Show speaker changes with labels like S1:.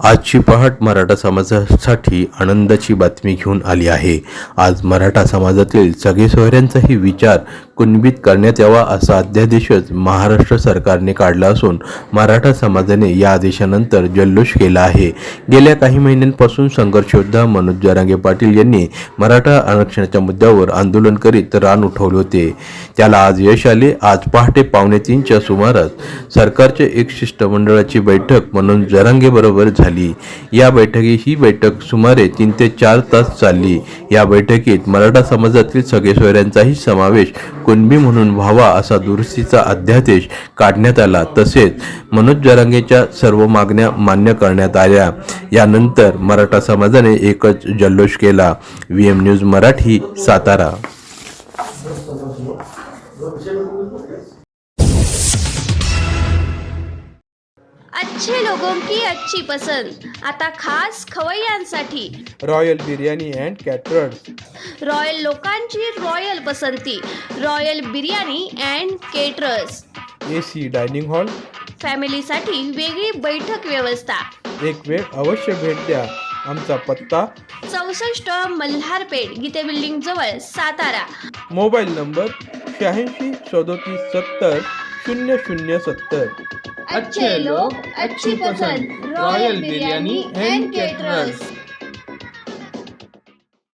S1: आजची पहाट मराठा समाजासाठी आनंदाची बातमी घेऊन आली आहे. आज मराठा समाजातील सगळे सोयऱ्यांचाही विचार कुणबीत करण्यात यावा असा अध्यादेशच महाराष्ट्र सरकारने काढला असून मराठा समाजाने या आदेशानंतर जल्लोष केला आहे. गेल्या काही महिन्यांपासून संघर्ष योद्धा मनोज जरांगे पाटील यांनी मराठा आरक्षणाच्या मुद्द्यावर आंदोलन करीत रान उठवले होते. त्याला आज यश आले. आज पहाटे 2:45च्या सुमारास सरकारच्या एक शिष्टमंडळाची बैठक मनोज जरांगे बरोबर झाली. या ही बैठक सुमारे 3 ते 4 तास चालली. या बैठकीत मराठा समाजातील सगळे सोयऱ्यांचाही समावेश कुणबी म्हणून व्हावा असा दुरुस्तीचा अध्यादेश काढण्यात आला. तसेच मनोज जरांगेच्या सर्व मागण्या मान्य करण्यात आल्या. यानंतर मराठा समाजाने एकच जल्लोष केला. VM news Marathi, Satara.
S2: अच्छे लोगों की अच्छी पसंद आता खास खवय्यांसाठी
S3: royal biryani and caterers.
S2: Royal लोकांची रॉयल पसंती royal biryani and caterers.
S3: AC dining hall.
S2: फॅमिलीसाठी वेगळी बैठक व्यवस्था.
S3: एक वेळ अवश्य भेट द्या. आमचा पत्ता
S2: 64 मल्हारपेठ गीते बिल्डिंग जवळ, सातारा.
S3: Mobile number 86 37 70 0070.
S2: अच्छे लोग अच्छी पसंद रॉयल बिर्याणी अँड केटरर्स.